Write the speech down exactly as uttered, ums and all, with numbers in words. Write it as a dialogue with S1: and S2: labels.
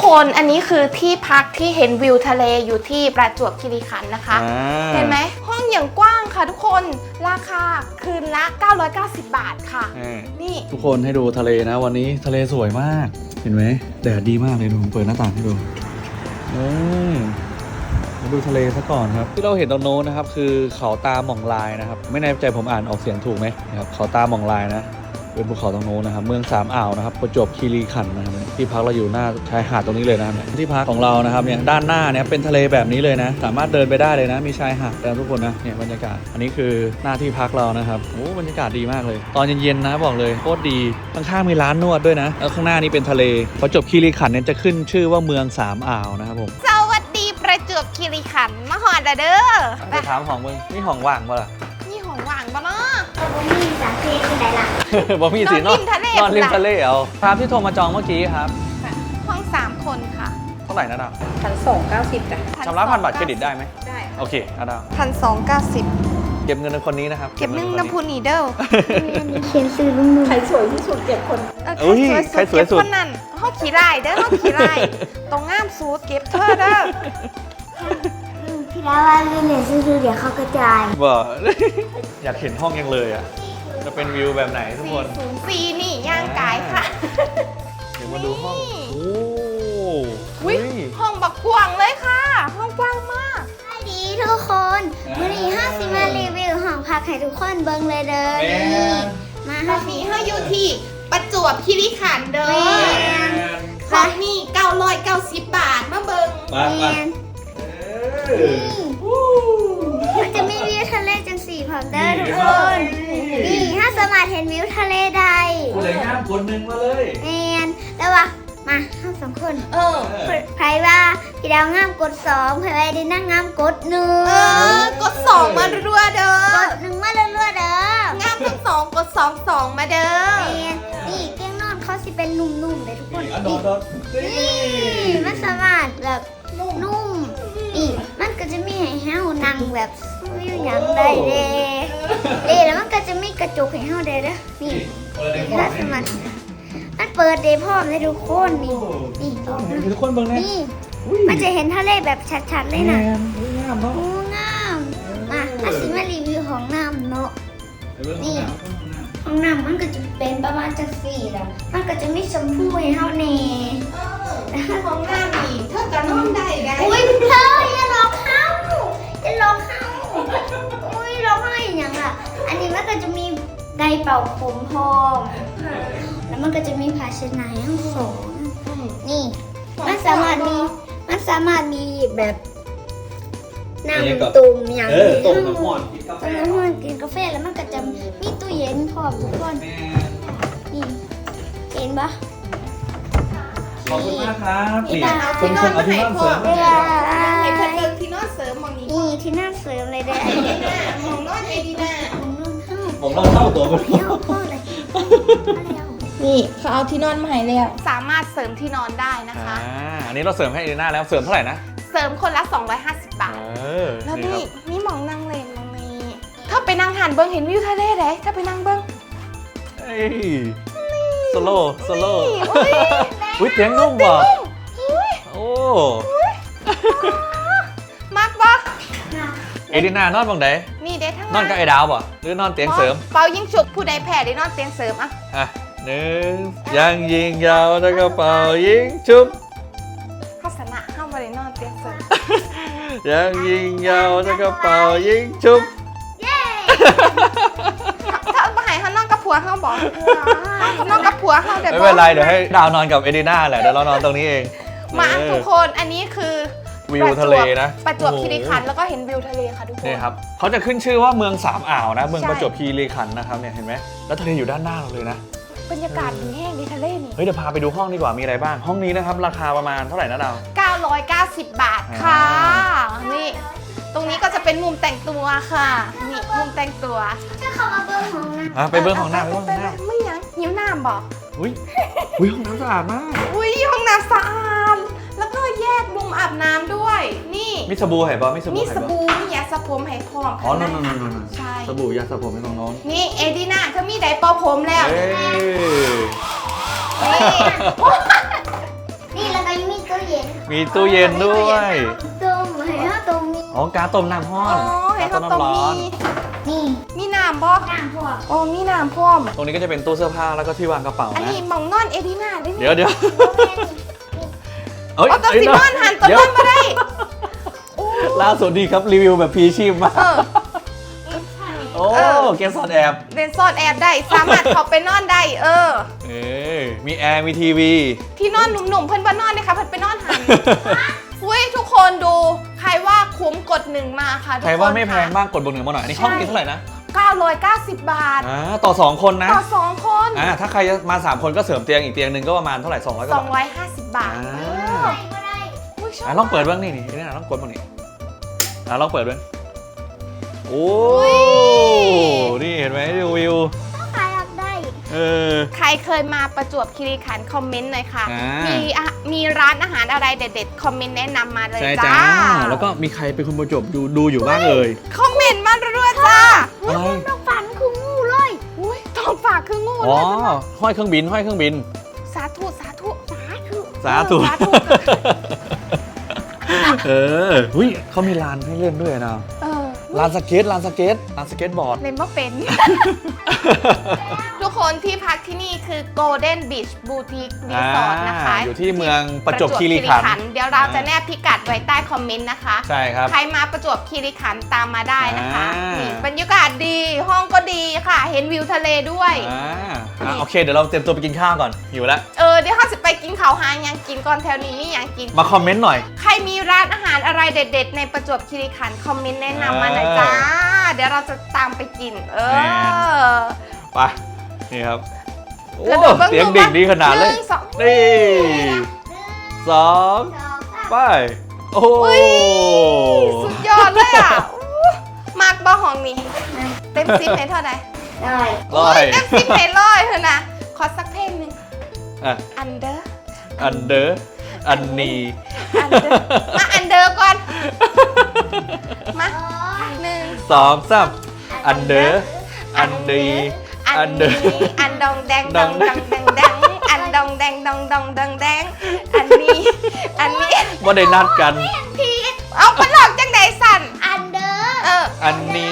S1: คนอันนี้คือที่พักที่เห็นวิวทะเลอยู่ที่ประจวบคีรีขันธ์นะคะเห็นไหมห้องอย่างกว้างค่ะทุกคนราคาคืนละเก้าร้อยเก้าสิบบาทค่ะนี่
S2: ทุกคนให้ดูทะเลนะวันนี้ทะเลสวยมากเห็นไหมแดดดีมากเลยดูผมเปิดหน้าต่างให้ดูมาดูทะเลซะก่อนครับที่เราเห็นตรงโน้นนะครับคือเขาตาหม่องลายนะครับไม่แน่ใจผมอ่านออกเสียงถูกไหมนะครับเขาตาหม่องลายนะเป็นภูเขาตรงโน้นนะครับเมืองสามอ่าวนะครับประจวบคีรีขันธ์นะครับที่พักเราอยู่หน้าชายหาดตรงนี้เลยนะครับที่พักของเรานะครับเนี่ยด้านหน้าเนี่ยเป็นทะเลแบบนี้เลยนะสามารถเดินไปได้เลยนะมีชายหาดแล้วทุกคนนะเนี่ยบรรยากาศอันนี้คือหน้าที่พักเรานะครับโอ้บรรยากาศดีมากเลยตอนเย็นๆนะบอกเลยโคตรดีข้างๆมีร้านนวดด้วยนะแล้วข้างหน้านี่เป็นทะเลประจวบคีรีขันธ์เนี่ยจะขึ้นชื่อว่าเมืองสามอ่าวนะครับผม
S1: สวัสดีประจวบคีรีขันธ์มาหอดเด้อ
S2: ไปถามของมึงนี่ของว่างปะล่ะ
S1: นี่ของว่างปะเนาะ
S3: บ่มีสาเทที่ไหนล่ะ
S2: บ่มีสินอนนอนริมทะเลเอาครับที่โทรมาจองเมื่อกี้ครับ
S1: ห้องสามคนค่ะ
S2: เท่าไหร่นะดาว
S4: พันสองเก้าสิบจ้ะ
S2: ชำระผ่านบัตรเครดิตได้ไหม
S4: ได้
S2: โอเคอะดาว
S1: พันสองเก้าสิบ
S2: เก็บเงินในคนนี้นะครับ
S1: เก็บเงินน้ำพูนีเดิล
S3: เขียนซื้อลุงนุ่ม
S4: ใครสวยที่สุดเก็บคน
S1: ใครสวยสุดคนนั้นห้องขี่ไร่เด้อห้องขี่ไร่ตรงง่ามซูดเก็บเธอเด้อ
S3: พี่ดาว่าเรียนซื้อเดี๋ยวเขากระจาย
S2: บ่อยากเห็นห้องยังเลยอ่ะจะเป็นวิวแบบไหนทุกคน
S1: ศูนย์สี่นี่ย่างกายค่ะ
S2: เดี๋ยวมาดูห้องโอ้
S1: ยห้องบักกว้างเลยค่ะห้องกว้างมาก
S3: สวัสดีทุกคนวันนี้ห้าสิมารีวิวห้องพักให้ทุกคนเบิ่งเลยเด้อนี่
S1: มาห้องนี้ห้องอยู่ที่ประจวบคีรีขันธ์เด้อห้องนี้เก้าร้อยเก้าสิบบาทมาเบิ่ง
S2: มา
S3: มันจะมีวิวทะเลจังสี่พร้อมเด้อทุกคนนี่ถ้าสามารถเห็นวิวทะเลใด
S2: คนไหนงามคนหนึ่งมาเลย
S3: แมนแล้ววะมาทั้งสองคน
S1: เออ
S3: ใครว่าพี่ดาวงามกดสองใครว่าดินั่งงามกดหนึ่ง
S1: เออกดสองมารัวเด้อก
S3: ดหนึ่งมารัวเด้
S1: องามทั้งสองกดสองสองมาเด้อ
S3: นี่เตียงนอนเขาสิเป็นนุ่มๆเลยทุกคนนี่มันสามารถแบบนุ่มนี่มันก็จะมีให้เฮานั่งแบบวิวอย่างใดเด้เด้แล้วมันก็จะมีกระจกให้เฮาได้เด้อนี่ถ้าสามารถมันเปิดเดย์พร้อมเลยทุกคนนี่นี่
S2: ทุกคนเบิ่งเลย
S3: นี่มันจะเห็นทะเลแบบชัดๆเลยนะ
S2: งามเนาะ
S3: งามมาอาสิมารีวิวของน้ำเนาะนี่ของน้ำมันก็จะเป็นประมาณจะสี่แล้วมันก็จะมีชมพูให้เฮาแน่
S1: ของน้ำนี่เธอจะนอนได้ไง
S3: อุ้ยเธออย่าหลอกเขาอย่าหลอกเขาอุ้ยร้องไห้อย่างล่ะอันนี้มันก็จะมีไดเป่าผมพร้อมแล้วมันก็จะมีภาชนะทั้งสองนี่มันสามารถมีมันสามารถมีแบบน้ำตุ่มอย่างนี้
S2: ต้มน้ำมันกินกาแฟ
S3: ต้มน้ำมันกินกาแฟแล้วมันก็จะมีตู้เย็นพร้อมทุกคนนี่เห็นปะ
S2: ขอบคุณมากครับ
S1: นี่คุณคนเอาที่นอนเสริมให้เพื่อนเดินที่นอนเสริมมองนี้
S3: นี่ที่นอนเสริมเลยเด้อ
S1: มองนอนเอดีน่า
S2: ผมต้องเข้าตัวไป
S1: นี่เขาเอาที่นอนมาให้แล้วสามารถเสริมที่นอนได้นะคะ
S2: อันนี้เราเสริมให้เอดีน่าแล้วเสริมเท่าไหร่นะ
S1: เสริมคนละสองร้อยห้าสิบบาทแล้วนี่นี่มองนั่งเลนมองนี้ถ้าไปนั่งหันเบิ้งเห็นวิวทะเลเลยถ้าไปนั่งเบิ้ง
S2: โซโล่โซโล่อุ้ยเตียงนุ่มว่ะโอ้
S1: มากปะ
S2: เอดีน่านอนบังไหน
S1: นี่เด้ทั้ง
S2: นอนกับไอ้ดาวป่ะหรือนอนเตียงเสริม
S1: เป่ายิงฉุบผู้ใดแพ้ได้นอนเตียงเสริมอ่ะ
S2: อ่ะหนึ่งยังยิงยาวแล้วก็เป่ายิงชุบ
S1: ข้าสนะห้ามไปนอนเตียงเสริม
S2: ยังยิงยาวแล้วก็เป่ายิงชุบ
S3: เย้
S1: ถ้ามาหายเขานอนกับผัวเขาบอกเขานอนกับผัวเขาเดี๋ยว
S2: ไม่เป็นไรเดี๋ยวให้ดาวนอนกับเอดีน่าแหละเดี๋ยวเรานอนตรงนี้เอง
S1: มาทุกคนอันนี้คือ
S2: วิวทะเลนะ
S1: ประจวบคีรีขันธ์แล้วก็เห็นวิวทะเลค่ะทุกคน
S2: นี่ครับเขาจะขึ้นชื่อว่าเมืองสามอ่าวนะเมืองประจวบคีรีขันธ์นะครับเนี่ยเห็นไหมแล้วทะเลอยู่ด้านหน้าเราเลยนะ
S1: บรรยากาศดีแห้งดีทะเลนี่
S2: เฮ้ยเดี๋ยวพาไปดูห้องดีกว่ามีอะไรบ้างห้องนี้นะครับราคาประมาณเท่าไหร่นะดาว
S1: เก้าร้อยเก้าสิบบาทค่ะนี่ตรงนี้ก็จะเป็นมุมแต่งตัวค่ะนี่มุมแต่งตัว
S3: จะเข้ามาเบิ้งห้องน้
S2: ำไปเบิ้งห้องน้ำไปเบิ้งห้องน้
S1: ำไม่ยังหิวน้ำบอก
S2: อุ้ยอุ้ยห้องน้ำสะอาดมาก
S1: อุ้ยห้องน้ำสะอาดแล้วก็แยกมุมอาบน้ำด้วยนี่
S2: มีสบู่ไหป่ะมีสบู่
S1: มีสบู่มียาสระผมให้พร้อม
S2: อ๋อนั่นนั่นนั่น
S1: ใช่
S2: สบู่ยาสระผมให้น้อง
S1: ๆนี่เอดีน่าเขามีไดร์เป่าผมแล้ว
S3: นี่แล้วก็ยังมีตู้เย็น
S2: มีตู้เย็นด้วย
S3: ต้มให้เขาต้มมี
S2: อ๋อการต้มน้ำห้อ
S1: อ๋
S2: น
S1: อเห็นเขาตรงนี้
S3: นี่
S1: มีน้ำบ่
S3: น้ำพวก
S1: โอ้มีน้ำพร้อม
S2: ตรงนี้ก็จะเป็นตู้เสื้อผ้าแล้วก็ที่วางกระเป๋า
S1: อัน
S2: นะ
S1: นี้หมองนอนเอดีนาได้ไหม
S2: เดี๋ยวเดี๋ยว
S3: โมเมนต์
S2: เอ้ย
S1: เอาตัว
S2: เอ้ย
S1: ซิมอนหันตัว
S2: เดี๋ย
S1: น
S2: ว
S1: อนมาได้โอ้
S2: ล่าสุดดีครับรีวิวแบบพีชีพมาก
S1: เออ
S2: โอ้
S1: เออ
S2: เกสซอนแอบ
S1: เดนซอนแอบได้สามารถเขาไปนอนได้เออ
S2: เอ้ยมีแอร์มีทีวี
S1: ที่นอนหนุ่มๆเพื่อนบ้านนอนนะคะเพื่อนไปนอนหันอุ้ยทุกคนดูใครว่าคุ้มกดหนึ่งมาค่ะทุกคน
S2: ใครว่าไม่แพง
S1: ค่ะ
S2: บ้างกดบนหนึ่งมาหน่อยอันนี้ห้องนี้เท่าไหร่นะ
S1: เก้าร้อยเก้าสิบบาท
S2: อ่าต่อสองคนนะ
S1: ต่อสองคน
S2: อ่าถ้าใครจะมาสามคนก็เสริมเตียงอีกเตียงหนึ่งก็ประมาณเท่าไหร่สองร้อยก
S1: ส
S2: ว่า
S1: อง
S2: บาท
S1: ร้อยห้าสิบบาท
S2: อ่า
S1: เอออุ๊ยชบ
S2: อ่ะลองเปิดบ้างนี่นี่นี่นะลองกดบ้างนี่อ่ะลองเปิดด้วยโอ้นี่เห็นไหมดูวิว
S3: ใครอยากได้
S2: เออ
S1: ใครเคยมาประจวบคีรีขันธ์คอมเมนต์หน่อยค่ะ
S2: อ่ามี
S1: มีอะมีร้านอาหารอะไรเด็ดๆ คอมเมนต์แนะนำมาเลย
S2: ใช่
S1: จ้า
S2: จ้าแล้วก็มีใครเป็นคนประจวบดูดูอยู่บ้างเอ่ย
S1: คอมเมนต์มาด้วยๆจ้า
S2: อะไร
S3: ต้องฝันคืองูเลย
S1: อุ้ยต้องฝากคืองู
S2: อ๋
S1: เล
S2: อย ห้อยเครื่องบินห้อยเครื่องบิน
S1: สาธุสาธุสาธุ
S2: สาธุ
S1: สาธุ
S2: เออหุ้ยเขามีลานให้เล่นด้วยนะ
S1: เออ
S2: ลานสเก็ตลานสเก็ตลานสเก็ตบอร์ด
S1: เล่นว่าเป็น ทุกคนที่พักที่นี่คือ Golden Beach Boutique Resort นะคะ
S2: อ่าอยู่ที่เมืองประจวบคีรีขันธ์
S1: เดี๋ยวเราจะแนบพิกัดไว้ใต้คอมเมนต์นะคะ
S2: ใช่ครับ
S1: ใครมาประจวบคีรีขันธ์ตามมาได้นะคะ
S2: อ่านี่
S1: นี่บรรยากาศดี ห้องก็ดีค่ะ เห็นวิวทะเลด้วย
S2: อ่าอ่ะโอเคเดี๋ยวเราเตรียมตัวไปกินข้าวก่อนหิวแล้ว
S1: เออ เดี๋ยวเขาจะไปกินข้าวหายังกินก่อนแถวนี้นี่ยังกิน
S2: มาคอมเมนต์หน่อย
S1: ใครมีร้านอาหารอะไรเด็ด ๆ ในประจวบคีรีขันธ์คอมเมนต์แนะนำมาหน่อยจ้า เดี๋ยวเราจะตามไปกิน เอ
S2: แน่
S1: อ
S2: ไปนี่ครับโอ้
S1: กระโดดบ้าง
S2: เสียงดิ่งดีขนาดเลย
S1: หนึ่งสอง
S2: นี่สอง
S3: สองสาม
S2: ไปโอ้
S1: อุ้ย สุดยอดเลยอ่ะอู้มากบ้าห้องนี้ เต็มสิบเพลงเท่าไหร่
S3: ได้
S2: ร้อย
S1: เต็มสิบเพลงร้อยเถอะนะ ขอสักเพลงหนึ่ง
S2: อ่ะ
S1: Under
S2: อันเดอร์อันนี
S1: Under มา Under ก่อน มาหนึ่ง
S2: สองสามอันเดอร์อันดี
S1: อั
S2: อั
S1: น
S2: นเดอ
S1: นี้
S2: ร์
S1: อันดองแดงดองดองแดงแดงอันดองแดงดองดองดองแดงอันนี้ อันนี้
S2: ว่าได้นัดกัน
S1: ผิดเอามันหลอกจังไดสั่น
S3: อันเดอร์
S1: เออ
S2: อันนี้